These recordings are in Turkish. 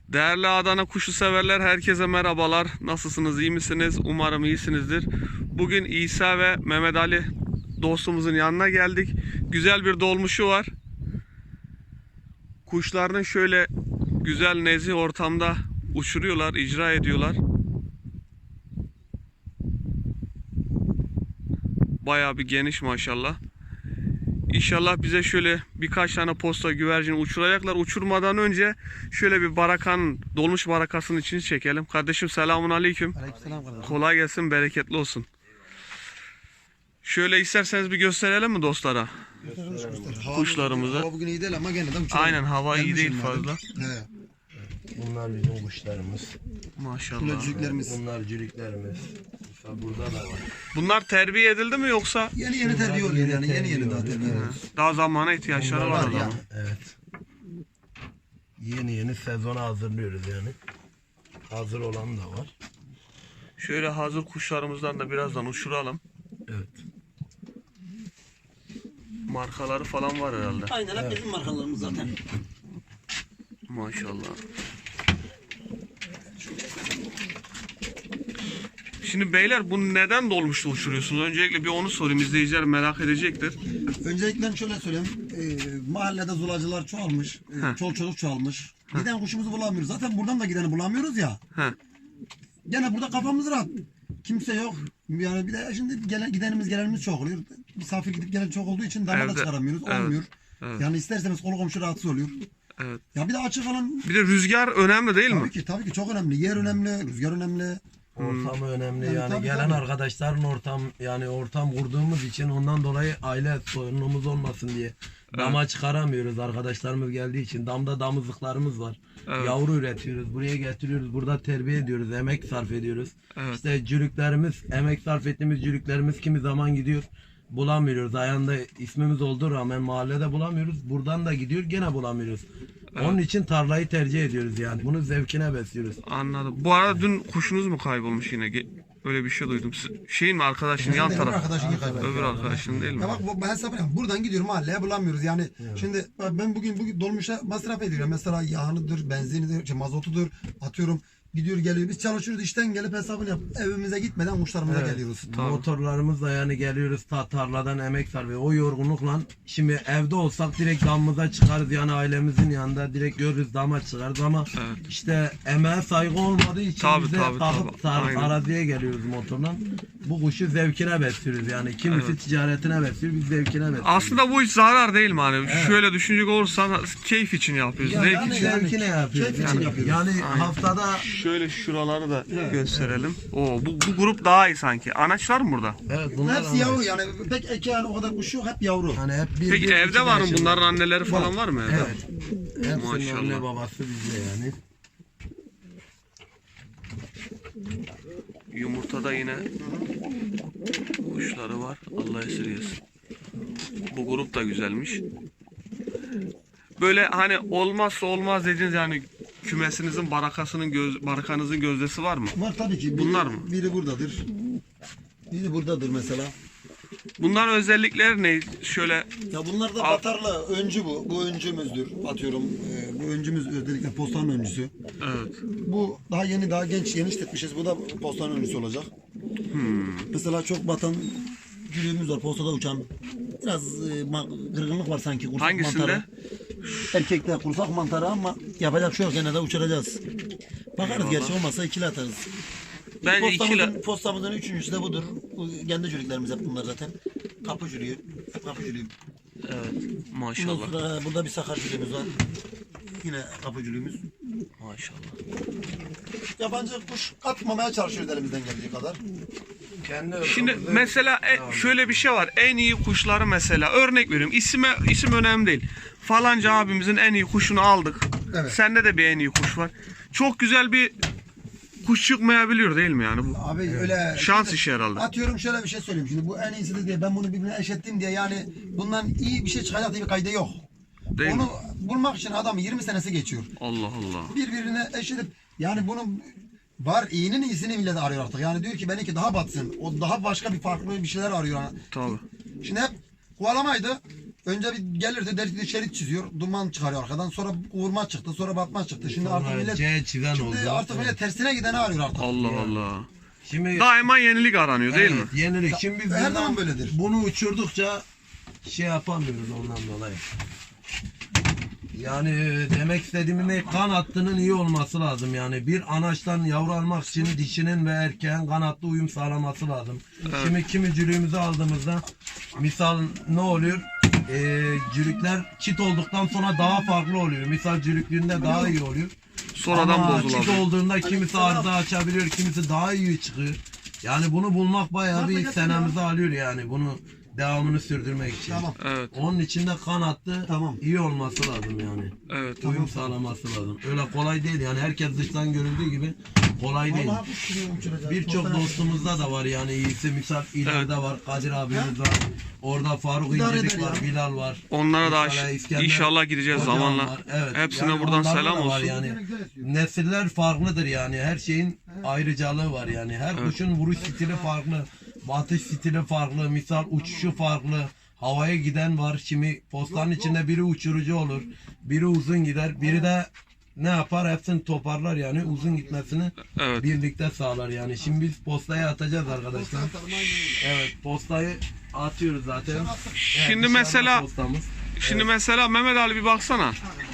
Değerli Adana kuşu severler, herkese merhabalar. Nasılsınız, iyi misiniz? Umarım iyisinizdir. Bugün İsa ve Mehmet Ali dostumuzun yanına geldik. Güzel bir dolmuşu var. Kuşlarını şöyle güzel nezih ortamda uçuruyorlar, icra ediyorlar. Bayağı bir geniş maşallah. İnşallah bize şöyle birkaç tane posta güvercin uçuracaklar. Uçurmadan önce şöyle bir barakanın, dolmuş barakasının içini çekelim. Kardeşim selamun aleyküm. Aleykümselam kardeşim. Kolay gelsin, bereketli olsun. Şöyle isterseniz bir gösterelim mi dostlara? Göster. Kuşlarımızı. Hava bugün iyi değil ama gene de uçuralım. Aynen, hava iyi değil Gelmişim fazla. madem. He. Bunlar bizim kuşlarımız. Maşallah. Kulacıklarımız. Bunlar cürüklerimiz. Mesela burada da var. Bunlar terbiye edildi mi yoksa Yeni terbiye oluyor yani. Yeni daha terbiye. daha zamana ihtiyaçları Bunlar var o var ya. zaman? Evet. Yeni sezona hazırlıyoruz yani. Hazır olan da var. Şöyle hazır kuşlarımızdan da birazdan uçuralım. Evet. Markaları falan var herhalde. Aynen hep bizim markalarımız zaten. Maşallah. Şimdi beyler, bunu neden dolmuşta uçuruyorsunuz? Öncelikle bir onu sorayım, izleyiciler merak edecektir. Öncelikle şöyle söyleyeyim. Mahallede zulacılar çoğalmış. Çoluk çocuk çoğalmış. Giden kuşumuzu bulamıyoruz. Zaten buradan da gideni bulamıyoruz ya. Heh. Gene burada kafamız rahat. Kimse yok. Yani bir de şimdi gidenimiz gelenimiz çok oluyor. Misafir gidip gelen çok olduğu için damada Evde. çıkaramıyoruz. Evet. Olmuyor. Evet. Yani isterseniz kolu komşu rahatsız oluyor. Evet. Ya bir de açık alan Bir de rüzgar önemli değil mi? tabii ki çok önemli. Yer önemli, rüzgar önemli. Ortamı önemli Yani yani tabii, gelen tabii. arkadaşların ortam kurduğumuz için ondan dolayı aile sorunumuz olmasın diye dama çıkaramıyoruz, arkadaşlarımız geldiği için. Damda damızlıklarımız var. Evet. Yavru üretiyoruz, buraya getiriyoruz, burada terbiye ediyoruz, emek sarf ediyoruz. Evet. İşte cürüklerimiz, emek sarf ettiğimiz cürüklerimiz kimi zaman gidiyor, bulamıyoruz. Ayağında ismimiz olduğu rağmen mahallede bulamıyoruz. Buradan da gidiyor, gene bulamıyoruz. Onun için tarlayı tercih ediyoruz yani. Bunu zevkine besliyoruz. Anladım. Bu arada dün kuşunuz mu kaybolmuş yine? Öyle bir şey duydum. Şeyin mi, arkadaşın yan Öbür taraf? arkadaşını kaybettim. Öbür arkadaşın değil mi? Ya bak ben hesap yapıyorum. Buradan gidiyorum mahalleye bulamıyoruz. Yani şimdi ben bugün dolmuşa masraf ediyorum. Mesela yağınıdır, benzinidir, mazotudur atıyorum. Gidiyor geliyor. Biz çalışıyoruz, işten gelip hesabını yap. Evimize gitmeden kuşlarımıza geliyoruz. Tabii. Motorlarımızla yani geliyoruz tarladan emek sarf ediyoruz. O yorgunlukla şimdi evde olsak direkt damımıza çıkarız yani ailemizin yanında direkt görürüz, dama çıkarız ama işte emeğe saygı olmadığı için Tabii, bize tabii, kalkıp tabii. Aynen. araziye geliyoruz motorla. Bu kuşu zevkine besliyoruz yani. Kimisi ticaretine besliyor, biz zevkine besliyoruz. Aslında bu hiç zarar değil mi? Hani şöyle düşünecek olursan keyif için yapıyoruz. Ya Zevk yani- için. Zevkine yapıyoruz. Keyif için yapıyoruz. Yani Aynen. haftada Şöyle şuraları da gösterelim. Oo, bu grup daha iyi sanki. Anaçlar mı burada? evet bunlar Hepsi yavru yani. Pek eki yani o kadar kuş yok, hep yavru. hani hep Peki bir evde iki var mı? yaşında. Bunların anneleri falan var mı evde? Evet. Hepsinin Maşallah. anne babası bizde yani. Yumurtada yine kuşları var. Allah esirgesin. Bu grup da güzelmiş. Böyle hani olmazsa olmaz dediğiniz yani kümesinizin barakanızın gözdesi var mı? Var tabii ki. Bunlar mı? Biri buradadır. Biri buradadır mesela. Bunların özellikleri ne? Şöyle Ya bunlar da batarlı öncü bu. Bu öncümüzdür. Atıyorum bu öncümüz özellikle postanın öncüsü. evet. Bu daha yeni, daha genç, yeni işletmişiz. Bu da postanın öncüsü olacak. Mesela çok batan gülüğümüz var, postada uçan. Biraz kırgınlık var sanki kursak Hangisinde? mantarı. Erkekte kursak mantarı ama yapacak şey yok, gene de uçuracağız. Bakarız, Eyvallah. gerçi olmazsa ikili atarız. Bence Postamızın üçüncüsü de budur. Bu kendi cürüklerimiz hep bunlar zaten. Kapı cürüğü. Hep kapı cürüğü. Evet. Ondan Maşallah. sonra burada bir sakar cürüğümüz var. Yine kapı cürüğümüz. Maşallah. Yabancı kuş atmamaya çalışıyoruz elimizden geldiği kadar. Şimdi mesela şöyle bir şey var. En iyi kuşları mesela örnek veriyorum. İsim önemli değil. Falanca abimizin en iyi kuşunu aldık. Evet. Sende de bir en iyi kuş var. Çok güzel bir kuş çıkmayabiliyor değil mi yani bu? Abi öyle Şans işi herhalde. atıyorum, şöyle bir şey söyleyeyim. Şimdi bu en iyisidir diye ben bunu birbirine eşittim diye yani bundan iyi bir şey çıkacak diye bir kaydı yok. Değil Onu mi? bulmak için adam 20 senesi geçiyor. Allah Allah. Birbirine eşitip yani bunun var, iyinin iyisini millet arıyor artık. Yani diyor ki benimki daha batsın. O daha başka bir farklı bir şeyler arıyor. Tabii. Şimdi hep kovalamaydı. Önce bir gelirdi delikli şerit çiziyor. Duman çıkarıyor arkadan. Sonra vurma çıktı. Sonra batma çıktı. Şimdi artık millet C çizen oldu. şimdi artık millet tersine gideni arıyor artık. Allah Allah. Şimdi Daima yenilik aranıyor değil mi? evet, yenilik. Şimdi biz Her buradan zaman böyledir. bunu uçurdukça şey yapamıyoruz ondan dolayı. Yani demek istediğim ne, kan hattının iyi olması lazım yani. Bir anaçtan yavru almak için dişinin ve erkeğin kan hattı uyum sağlaması lazım. Şimdi kimicülüğümüzü aldığımızda misal ne oluyor? Cülükler çit olduktan sonra daha farklı oluyor. Misal cülüklüğünde daha iyi oluyor. Sonradan Ama çit bozulabilir. olduğunda kimisi arıza açabiliyor, kimisi daha iyi çıkıyor. Yani bunu bulmak bayağı bir senemizi alıyor yani. Bunu devamını sürdürmek için. Tamam. Evet. Onun içinde kan hattı Tamam. iyi olması lazım yani. Evet. Uyum sağlaması lazım. Öyle kolay değil yani. Herkes dıştan görüldüğü gibi kolay değil. Vallahi kuş gibi uçuracağız. Birçok Dostlar- dostumuzda da var yani iyisi. Misal ileride var. Kadir abimiz var. Orada Faruk İdare İncilik eder var. ya. Bilal var. Onlara da Mesela İskender inşallah gideceğiz Hocam zamanla. var. Evet. Hepsine Yani buradan onlarda selam da var olsun. Yani. Nesiller farklıdır yani. Her şeyin ayrıcalığı var yani. Her kuşun vuruş stili farklı. Batış stili farklı. Misal uçuşu farklı. Havaya giden var. Şimdi postanın içinde biri uçurucu olur. Biri uzun gider. Biri de ne yapar? Hepsini toparlar yani. Uzun gitmesini Evet. birlikte sağlar yani. Şimdi biz postaya atacağız arkadaşlar. Evet, postayı atıyoruz zaten. Evet, Şimdi dışarıda mesela postamız. Şimdi mesela Mehmet Ali bir baksana.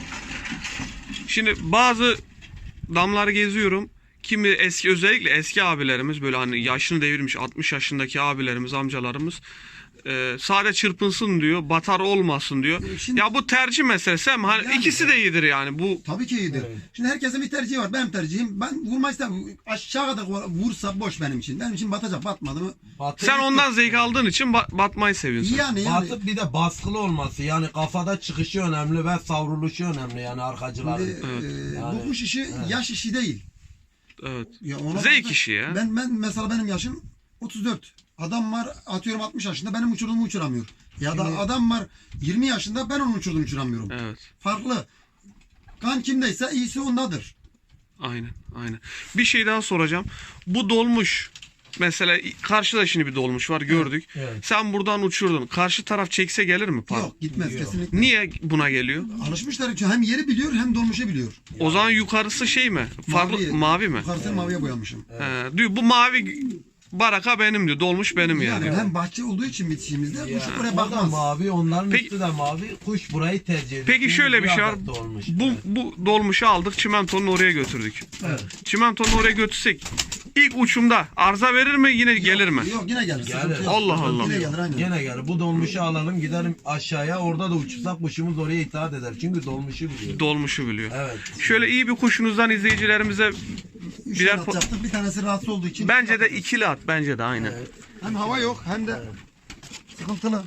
Şimdi bazı damları geziyorum. Kimi eski, özellikle eski abilerimiz, böyle hani yaşını devirmiş 60 yaşındaki abilerimiz, amcalarımız sade çırpınsın diyor, batar olmasın diyor. Şimdi- Ya bu tercih meselesi ama hani Yani- ikisi de iyidir yani. Bu Tabii ki iyidir. Evet. Şimdi herkesin bir tercihi var. Benim tercihim. Ben vurmak istemem. Aşağı kadar vursa boş benim için. Benim için batacak. Batmadı mı? Batıp- sen ondan zevk aldığın için batmayı seviyorsun. Yani Batıp bir de baskılı olması yani kafada çıkışı önemli ve savruluşu önemli yani arkacıların. Şimdi, Yani- bu kuş işi yaş işi değil. Evet. Ya ona Zevk bakın, işi ya. Ben mesela benim yaşım 34. Adam var atıyorum 60 yaşında benim uçurduğumu uçuramıyor. Ya da adam var 20 yaşında ben onun uçurduğunu uçuramıyorum. Evet. Farklı. Kan kimdeyse iyisi ondadır. Aynen, aynen. Bir şey daha soracağım. Bu dolmuş, mesela karşıda şimdi bir dolmuş var, gördük. Evet. Sen buradan uçurdun. Karşı taraf çekse gelir mi? Pardon. Yok gitmez Yok. kesinlikle. Niye buna geliyor? Alışmışlar çünkü hem yeri biliyor hem dolmuşu biliyor. O zaman yukarısı şey mi? Farklı mavi mi? Yukarısını maviye boyamışım. Diyor bu mavi baraka benim diyor. Dolmuş benim yani. Yani hem bahçe olduğu için bitişimizde kuş Yani oraya o da bakmaz. mavi, onların Peki- üstü de mavi. Kuş burayı tercih ediyor. Peki Çünkü şöyle bir bu şey var. adapte olmuş. Bu, Evet. bu dolmuşu aldık, çimentonun oraya götürdük. Evet. Çimentonun oraya götürsek ilk uçumda arıza verir mi, yine gelir mi? Yok yine gelir. Gelir. Sıkıntı yok. Allah Allah. Yine gelir aynen. Gene gel. Bu dolmuşu alalım gidelim aşağıya. Orada da uçursak kuşumuz oraya itaat eder. Çünkü dolmuşu biliyor. Dolmuşu biliyor. Evet. Şöyle iyi bir kuşunuzdan izleyicilerimize Üç birer tane atacaktık. Bir tanesi rahatsız olduğu için. bence de ikili at, bence de aynen. Evet. Hem hava yok hem de sıkıntılı.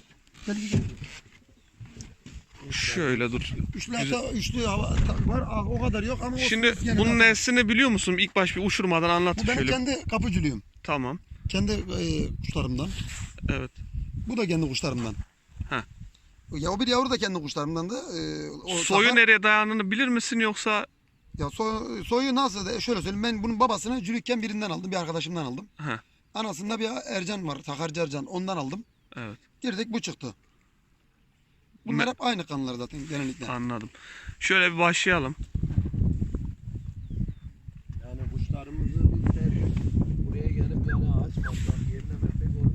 Şöyle dur. Üçlü hava var. O kadar yok ama olsun, Şimdi biz gene bunun de- neslini biliyor musun? İlk baş bir uçurmadan anlat Bu benim şöyle. kendi kapıcılığım. Tamam. Kendi kuşlarımdan. Evet. Bu da kendi kuşlarımdan. Heh. Ya o bir yavru da kendi kuşlarımdandı. Soyu nereye dayandığını bilir misin yoksa? Ya soyu nasıl? Şöyle söyleyeyim. Ben bunun babasını cülükken birinden aldım. Bir arkadaşımdan aldım. Heh. Anasında bir Ercan var. Takarcı Ercan. Ondan aldım. Evet. Girdik bu çıktı. Bunlar hep aynı kanlar zaten genellikle. Anladım. Şöyle bir başlayalım. Yani kuşlarımızı biz seviyoruz. Buraya gelip yani ağaç baksak yerine meslek olur.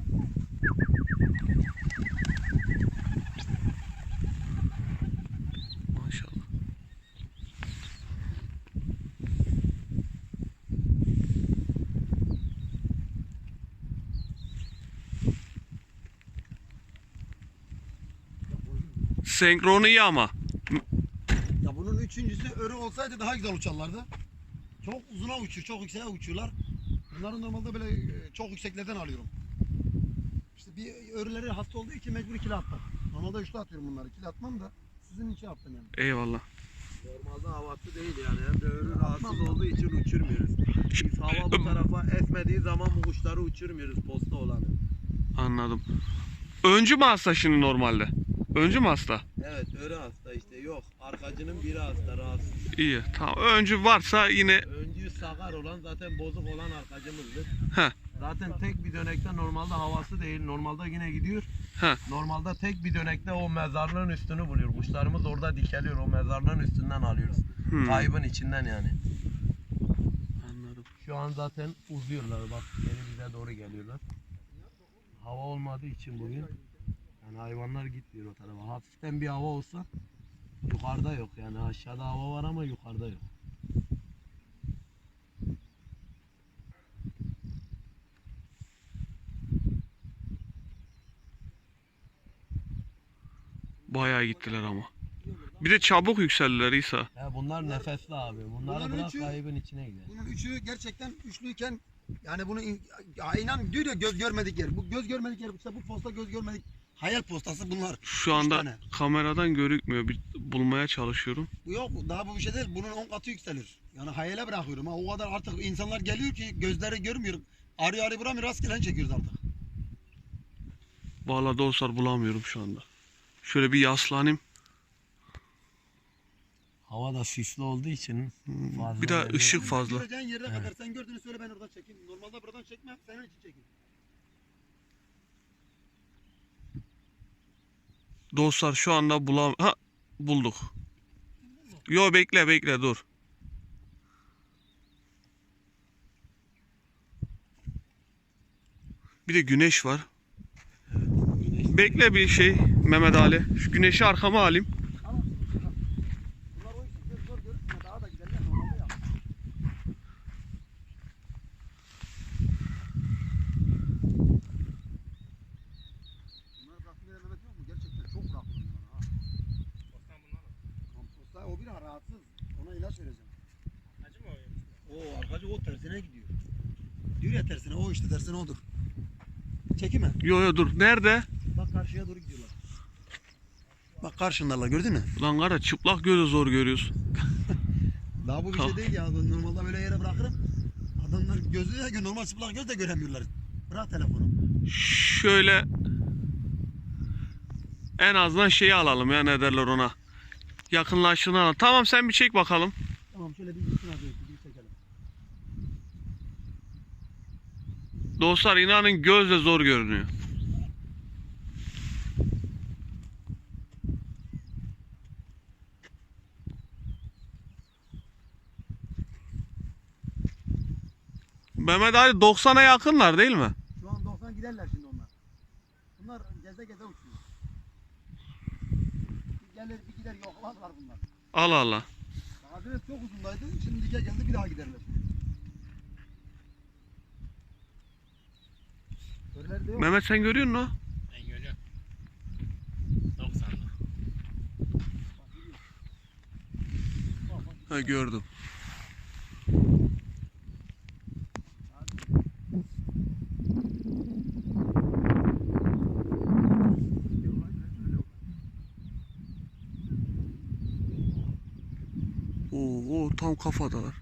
Maşallah. Senkronu iyi ama. Ya bunun üçüncüsü örü olsaydı daha güzel uçarlardı. Çok uzuna uçuyor, çok yükseğe uçuyorlar. Bunları normalde böyle çok yükseklerden alıyorum. İşte bir örüleri hasta olduğu için mecbur ikili attım. Normalde üçlü atıyorum bunları. İkili atmam da sizin için attım yani. Eyvallah. Normalde havası değil yani. Hem de örü rahatsız olduğu için uçurmuyoruz. Biz hava bu tarafa esmediği zaman bu kuşları uçurmuyoruz posta olanı. Anladım. Öncü mü hasta şimdi normalde? Öncü mü hasta? Evet örü hasta işte yok. Arkacının biri hasta rahatsız. İyi. Tamam. Öncü varsa yine Öncü sakar olan zaten bozuk olan arkacımızdır. Heh. Zaten tek bir dönekte normalde havası değil. Normalde yine gidiyor. He. Normalde tek bir dönekte o mezarlığın üstünü buluyor. Kuşlarımız orada dikeliyor. O mezarlığın üstünden alıyoruz. Kaybın içinden yani. Anladım. Şu an zaten uzuyorlar. Bak geri bize doğru geliyorlar. Hava olmadığı için bugün yani hayvanlar gitmiyor o tarafa. Hafiften bir hava olsa yukarıda yok yani. Aşağıda hava var ama yukarıda yok. Bayağı gittiler ama. Bir de çabuk yükseldiler İsa. Ya bunlar nefesli abi. Bunları Bunların bırak üçü- kaybın içine gider. Bunun üçü gerçekten üçlüyken yani bunu ya inan diyor ya göz görmedik yer. Bu göz görmedik yer işte bu posta göz görmedik. Hayal postası bunlar. Şu Üç anda tane. kameradan görükmüyor. Bir bulmaya çalışıyorum. Bu yok daha bu bir şey değil. Bunun 10 katı yükselir. Yani hayale bırakıyorum ha. O kadar artık insanlar geliyor ki gözleri görmüyor. Arıyor arıyor buramıyor rastgele çekiyoruz artık. Vallahi dostlar bulamıyorum şu anda. Şöyle bir yaslanayım. Hava da sisli olduğu için fazla Bir de belli ışık olmuyor. fazla. Göreceğin yerde kadar sen gördüğünü söyle ben oradan çekeyim. Normalde buradan çekmem senin için çekeyim. Dostlar şu anda bulduk. Yo bekle dur. Bir de güneş var. Bekle bir şey Mehmet Ali. Şu güneşi arkama alayım. Tamam. Bunlar o işi zor görürsün ya daha da giderler normalde ya. Bunlar bıraktım diye Mehmet yok mu? Gerçekten çok bıraktım bunları ha. Komposta o bir rahatsız. Ona ilaç vereceğim. Acı mı o? O arkacı o tersine gidiyor. Diyor ya tersine o işte tersine odur. Çekime. Yo dur. Nerede? Bak karşıya doğru gidiyorlar. Bak karşındalar gördün mü? Lan kara çıplak gözle zor görüyorsun. Daha bu bir şey değil ya. Normalde böyle yere bırakırım. Adamlar gözü de normal çıplak göz de göremiyorlar. Bırak telefonu. Şöyle en azından şeyi alalım ya ne derler ona. Yakınlaştığını alalım. Tamam sen bir çek bakalım. Tamam şöyle bir gitsin hadi bir çekelim. Dostlar inanın gözle zor görünüyor. Mehmet Ali 90'a yakınlar değil mi? Şu an 90 giderler şimdi onlar. Bunlar geze geze uçuyor. Bir gelir bir gider yoklarlar bunlar. Allah Allah. Hazine çok uzundaydı. Şimdi dike geldi bir daha giderler. Körler de yok. Mehmet sen görüyor musun? Ben görüyorum. 90'da. Ha gördüm. Oo tam kafadalar.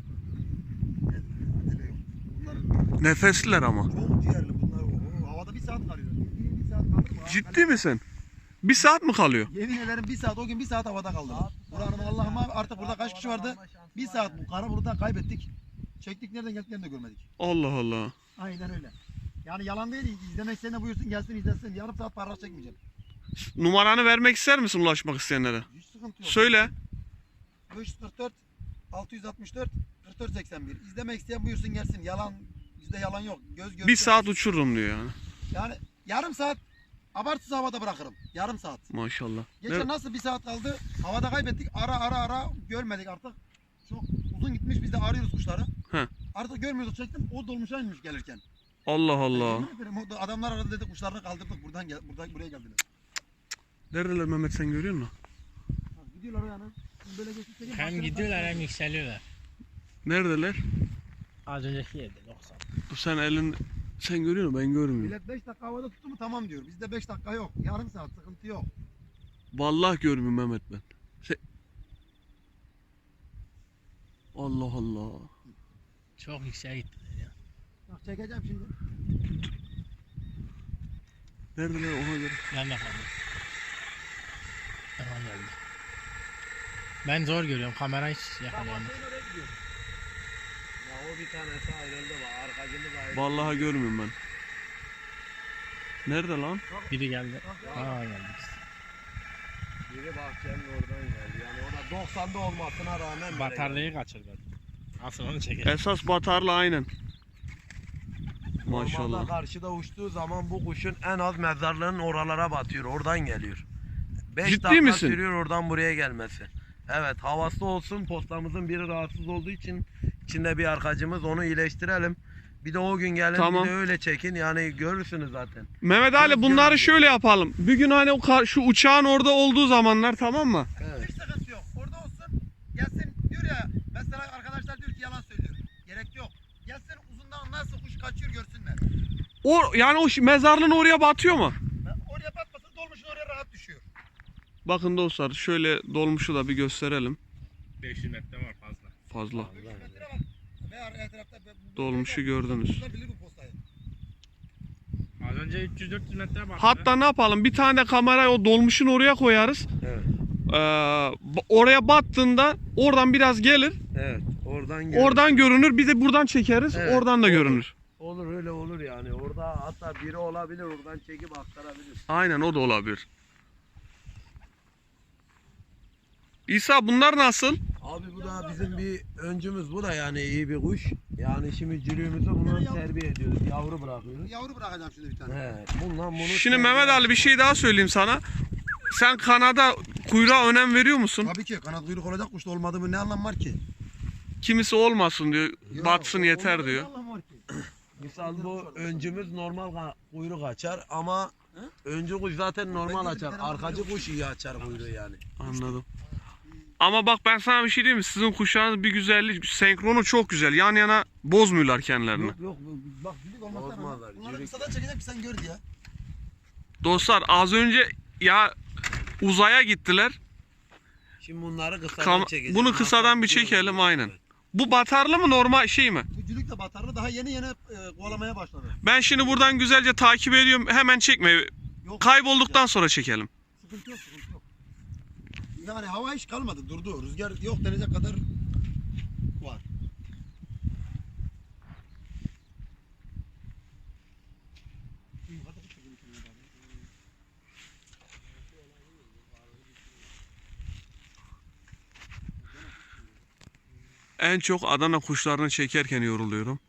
Bunlar Nefesliler ama. çok ciğerli bunlar. Oo, havada bir saat kalıyor. Bildiğin bir saat kalır mı? Ciddi misin? Bir saat mi kalıyor? Yemin ederim bir saat o gün bir saat havada kaldılar. Buranın Allah'ıma artık burada kaç kişi vardı? Bir saat bu kara buluttan kaybettik. Çektik nereden geldiklerini de görmedik. Allah Allah. Aynen öyle. Yani yalan değil. İzlemek isteyene buyursun gelsin izlesin. Yarım saat para çekmeyeceğim. Numaranı vermek ister misin ulaşmak isteyenlere? Hiç sıkıntı yok. Söyle. 544 664 44 81. İzlemek isteyen buyursun gelsin. Yalan bizde yalan yok. Göz görsün. Bir saat uçururum diyor yani. Yani yarım saat abartısız havada bırakırım. Yarım saat. Maşallah. Geçen Ne- nasıl bir saat kaldı? Havada kaybettik. Ara görmedik artık. Çok uzun gitmiş. Biz de arıyoruz kuşları. He. Artık görmüyorduk çektim. O dolmuşa inmiş gelirken. Allah Allah. Yemin ederim, o da adamlar aradı dedi kuşlarını kaldırdık. Buraya geldiler. Neredeler Mehmet sen görüyor musun? Ha, gidiyorlar yani. Şimdi böyle geçip çekeyim, Hem başlarına gidiyorlar taşıyorlar. hem yükseliyorlar. Neredeler? Az önceki yerde 90. Sen görüyor musun? Ben görmüyorum. Millet 5 dakika havada tuttu mu tamam diyor. Bizde 5 dakika yok. Yarım saat sıkıntı yok. Vallahi görmüyorum Mehmet ben. Allah Allah. Çok yükseğe gittiler ya. Bak çekeceğim şimdi. Neredeler ona göre. Ben de kaldım. Tamam geldi. Ben zor görüyorum. Kamera hiç yakalayamam. Ya o bir tanesi ayrıldı bak. Arkacımız ayrıldı. Vallahi görmüyorum ben. Nerede lan? Biri geldi. Aa geldi. Biri bahçenin oradan geldi. Yani o da 90'da olmasına rağmen böyle Bataryayı kaçırdı. Asıl onu çekelim. Esas batarlı aynen. Normalde Maşallah. karşıda uçtuğu zaman bu kuşun en az mezarlığın oralara batıyor. Oradan geliyor. 5 Ciddi dakika misin? sürüyor oradan buraya gelmesi. Evet, havası olsun, postamızın biri rahatsız olduğu için içinde bir arkacımız, onu iyileştirelim. Bir de o gün gelin, Tamam. bir de öyle çekin, yani görürsünüz zaten. Mehmet Ali bunları şöyle yapalım. Bir gün hani şu uçağın orada olduğu zamanlar, tamam mı? Evet. Hiç sıkıntı yok. Orada olsun. Gelsin diyor ya. Mesela arkadaşlar diyor ki yalan söylüyor. Gerek yok. Gelsin uzundan nasıl kuş kaçıyor görsünler. O yani o mezarlığın oraya batıyor mu? Oraya batmasın dolmuşun oraya rahat düşüyor. Bakın dostlar, şöyle dolmuşu da bir gösterelim. 500 metre var fazla. Fazla. Metre bak. Ve her tarafta Dolmuşu gördünüz. Bilir bu postayı. Az önce 300-400 metre var. Hatta ne yapalım? Bir tane de kamerayı o dolmuşun oraya koyarız. Evet. Oraya battığında oradan biraz gelir. Evet. Oradan görün. Oradan görünür. Bir de buradan çekeriz. Evet, Oradan da olur. görünür. Olur, öyle olur yani. Orada hatta biri olabilir, oradan çekip aktarabilir. Aynen, o da olabilir. İsa bunlar nasıl? Abi bu da bizim bir öncümüz, bu da yani iyi bir kuş. Yani şimdi cürüğümüzü bunu terbiye ediyoruz. Yavru bırakıyoruz. Yavru bırakacağım şimdi bir tane. He, bundan bunu Şimdi terbiye- Mehmet Ali bir şey daha söyleyeyim sana. Sen kanada kuyruğa önem veriyor musun? Tabii ki kanat kuyruk olacak kuşta olmadı mı ne anlam var ki? Kimisi olmasın diyor. Yok, Batsın yeter olmadı diyor. Ne anlam var ki? Misal bu öncümüz normal kuyruk açar ama öncü kuş zaten normal Ben de açar. bir tane Arkacı bakıyorum. kuş iyi açar kuyruğu yani. Anladım. Ama bak ben sana bir şey diyeyim mi? Sizin kuşağınız bir güzellik, senkronu çok güzel. Yan yana bozmuyorlar kendilerini. Yok Bak cülük olmazsa Bozmazlar, bunları cülük. kısadan çekecek bir sen gör ya. Dostlar az önce ya uzaya gittiler. şimdi bunları kısadan çekeceğiz. Bunu kısadan bir çekelim aynen. Bu batarlı mı normal şey mi? Bu cülük de batarlı daha yeni kovalamaya başladı. Ben şimdi buradan güzelce takip ediyorum. Hemen çekme. Yok, Kaybolduktan sonra çekelim. sıkıntı yok sıkıntı yok. Yani hava hiç kalmadı durdu. Rüzgar yok denecek kadar var. En çok Adana kuşlarını çekerken yoruluyorum.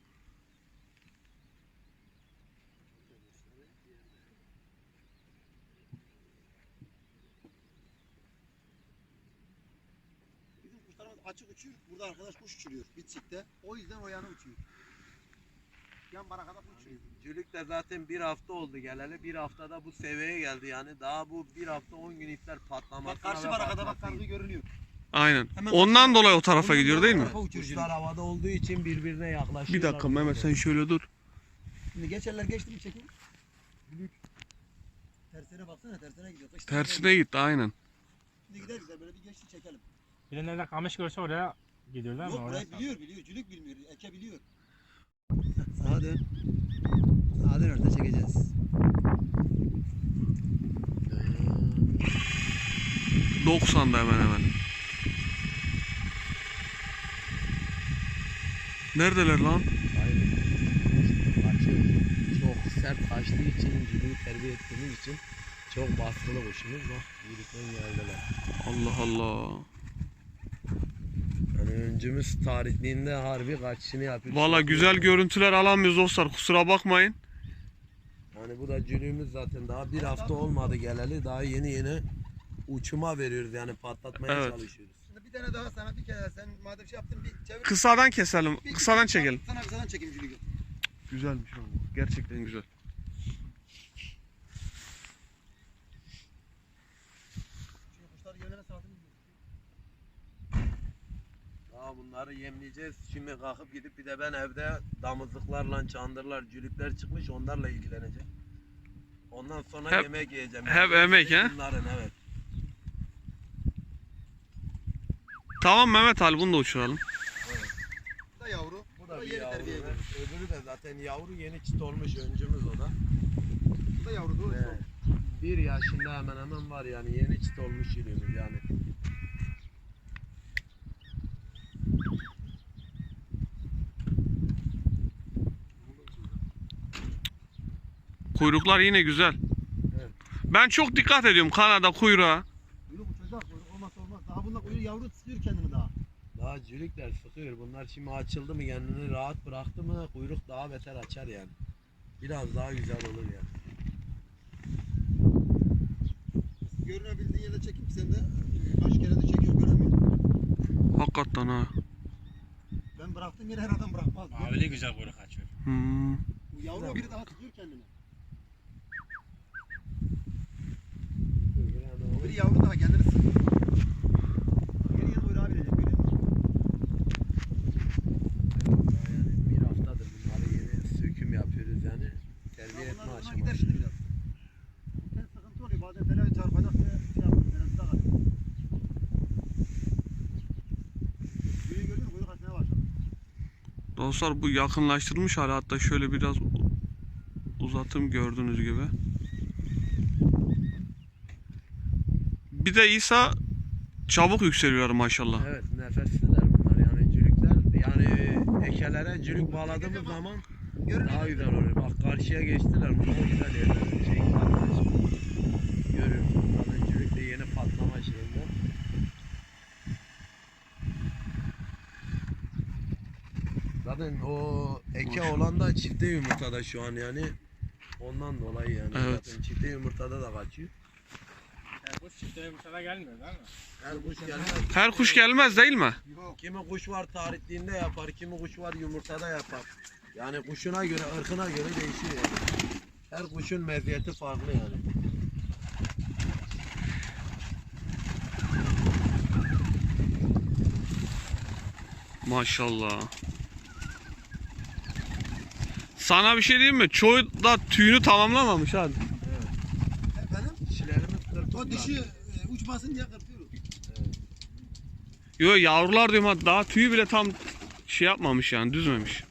Bizim kuşlarımız açık uçuyor. Burada arkadaş kuş uçuruyor bitçikte. O yüzden o yana uçuyor. Yan barakada kuş uçuruyor. Cülük de zaten bir hafta oldu geleli. Bir haftada bu seviyeye geldi yani. Daha bu bir hafta 10 gün iptal patlamasına Bak karşı ve barakada bak patlamasına kargı görünüyor. Aynen. Hemen Ondan dolayı o tarafa Ondan gidiyor değil mi? tarafa uçuyor Kuşlar havada olduğu için birbirine yaklaşıyor. Bir dakika Mehmet sen şöyle dur. Şimdi geçerler geçti mi çekin. Büyük. Tersine baksana tersine gidiyor. Kış Tersine gitti aynen. Şimdi gideriz de böyle bir geçti çekelim. Bir nerede kamış görse oraya gidiyorlar mı? Yok Oraya burayı biliyor. Cülük bilmiyor. Eke biliyor. Sağa dön. Sağa dön orada çekeceğiz. 90'da hemen hemen. Neredeler lan? Aynen. Kaçıyor. Çok sert kaçtığı için, cülüğü terbiye ettiğimiz için çok baskılı kuşumuz. Bak yürütmen geldiler. Allah Allah. Yani öncümüz tarihliğinde harbi kaçışını yapıyor. Valla güzel görüntüler alamıyoruz dostlar. Kusura bakmayın. Yani bu da cülüğümüz zaten daha bir hafta olmadı geleli. Daha yeni uçuma veriyoruz yani patlatmaya Evet. çalışıyoruz. Şimdi bir tane daha sana bir kere sen madem şey yaptın bir çevir. Kısadan keselim. Kısadan çekelim. Sana kısadan çekeyim Cülük'ü. Güzelmiş ama. Gerçekten güzel. Şimdi kuşlar yerlerine saatini Daha bunları yemleyeceğiz. Şimdi kalkıp gidip bir de ben evde damızlıklarla çandırlar, cülükler çıkmış onlarla ilgileneceğim. Ondan sonra Hep- yemek yiyeceğim. hep emek, he? Bunların evet. Tamam Mehmet Ali bunu da uçuralım. Bu da yavru. Bu da bir yeni yavru. terbiye ediyor. Öbürü de zaten yavru yeni çit olmuş öncümüz o da. Bu da yavru doğru. Evet. Bir yaşında hemen hemen var yani yeni çit olmuş yürüyoruz yani. Kuyruklar yine güzel. Evet. Ben çok dikkat ediyorum Kanada kuyruğa. Kuyruk uçacak, kuyruk olmazsa olmaz. Daha bunda kuyruk yavru tutuyor kendini daha. Daha cülükler sıkıyor. Bunlar şimdi açıldı mı kendini rahat bıraktı mı kuyruk daha beter açar yani. Biraz daha güzel olur yani. Görünebildiği yerde çekip sen de kaç kere de çekiyor göremiyorum. Hakikaten ha. Ben bıraktığım yeri her adam bırakmaz. Mavili güzel kuyruk açıyor. Hmm. Bu yavru biri daha tutuyor kendini. Biri yavru daha kendini sıkıyor. Yeni yeni kuyruğa bilecek görüyor musun? Yani bir haftadır bunları yeni söküm yapıyoruz yani. Terbiye etme Bunlar gider aşaması. şimdi biraz. Sen sıkıntı oluyor bazen falan çarpacak diye şey yapıyor. Teröriste kalıyor. Yürüyü gördün mü kuyruk açmaya başladı. Dostlar bu yakınlaştırmış hali, hatta şöyle biraz uzatım gördüğünüz gibi. Bir de İsa çabuk yükseliyor maşallah. Evet nefesliler bunlar yani cülükler yani ekelere cülük bağladığımız zaman daha güzel oluyor. Bak karşıya geçtiler bunlar güzel yerler. Çekil arkadaşım. Görüyorsun zaten cülük de yeni patlama şeyinde. Zaten o eke olan da çifte yumurtada şu an yani. Ondan dolayı yani. Evet. Zaten çifte yumurtada da kaçıyor. Bu çifte yumurtada gelmiyor değil mi? Her kuş gelmez. Her kuş gelmez değil mi? Kimi kuş var tarihliğinde yapar, kimi kuş var yumurtada yapar. Yani kuşuna göre, ırkına göre değişiyor yani. Her kuşun meziyeti farklı yani. Maşallah. Sana bir şey diyeyim mi? Çoğu da tüyünü tamamlamamış abi. Efendim? Dişilerimiz kırpıklar. O dişi uçmasın diye kırpıyoruz. Yo, yavrular diyorum ha, daha tüyü bile tam şey yapmamış yani, düzmemiş.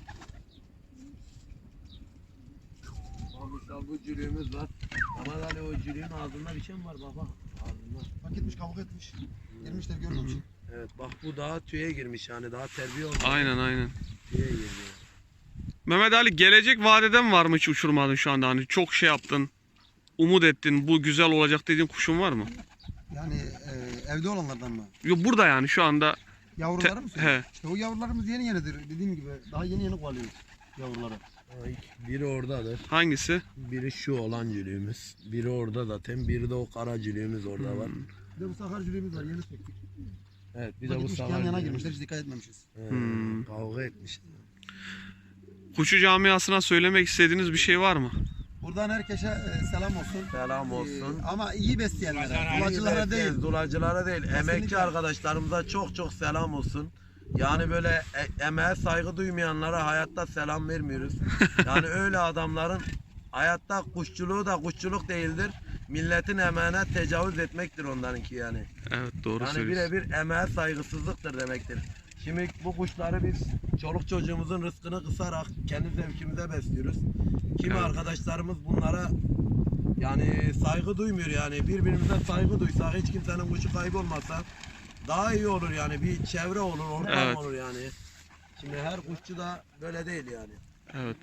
Mesela bu cülüğümüz var. Ama hani o cülüğün ağzında bir şey mi var baba? Ağzında. Bak etmiş kavga etmiş. Girmişler görmemiş. Evet bak bu daha tüye girmiş yani daha terbiye olmuş. Aynen aynen. Tüye giriyor. Mehmet Ali, gelecek vadeden var mı hiç uçurmadın şu anda? Hani çok şey yaptın, umut ettin, bu güzel olacak dediğin kuşun var mı? Yani evde olanlardan mı? Yo, burada yani şu anda. Yavruları mı? He. İşte o yavrularımız yeni yenidir. Dediğim gibi daha yeni yeni kovalıyoruz yavruları. Ay, biri oradadır. Hangisi? Biri şu olan cülüğümüz. Biri orada zaten. Biri de o kara cülüğümüz orada var. Bir de bu sakar cülüğümüz var yeni çektik. Evet bir Bak de bu gitmiş, salar yan yana cülüğümüz. girmişler hiç dikkat etmemişiz. Kavga etmiş. Kuşu camiasına söylemek istediğiniz bir şey var mı? Buradan herkese selam olsun. Selam olsun. Ama iyi besleyenlere, Pazar kulacılara değil. Dulacılara değil. Emekçi Kesinlikle. arkadaşlarımıza çok çok selam olsun. Yani böyle emeğe saygı duymayanlara hayatta selam vermiyoruz. Yani öyle adamların hayatta kuşçuluğu da kuşçuluk değildir. Milletin emeğine tecavüz etmektir onlarınki yani. Evet, doğru Yani söylüyorsun. birebir emeğe saygısızlıktır demektir. Şimdi bu kuşları biz çoluk çocuğumuzun rızkını kısarak kendi zevkimize besliyoruz. Kimi Evet. arkadaşlarımız bunlara yani saygı duymuyor yani birbirimize saygı duysak hiç kimsenin kuşu kaybolmasa daha iyi olur yani bir çevre olur ortam Evet. olur yani. Şimdi her kuşçu da böyle değil yani. Evet.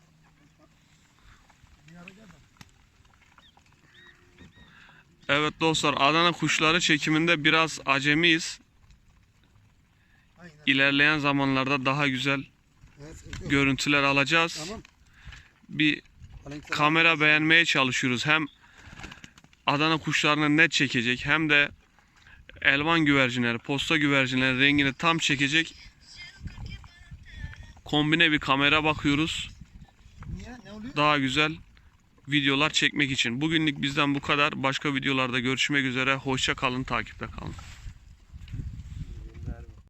Evet dostlar, Adana kuşları çekiminde biraz acemiyiz. Aynen. İlerleyen zamanlarda daha güzel Evet, sıkıntı yok. görüntüler alacağız. Tamam. Bir Aleykümselam. kamera beğenmeye çalışıyoruz. Hem Adana kuşlarını net çekecek, hem de elvan güvercinleri, posta güvercinleri rengini tam çekecek kombine bir kamera bakıyoruz. Niye? Ne oluyor? Daha güzel videolar çekmek için. Bugünlük bizden bu kadar. Başka videolarda görüşmek üzere. Hoşça kalın, takipte kalın.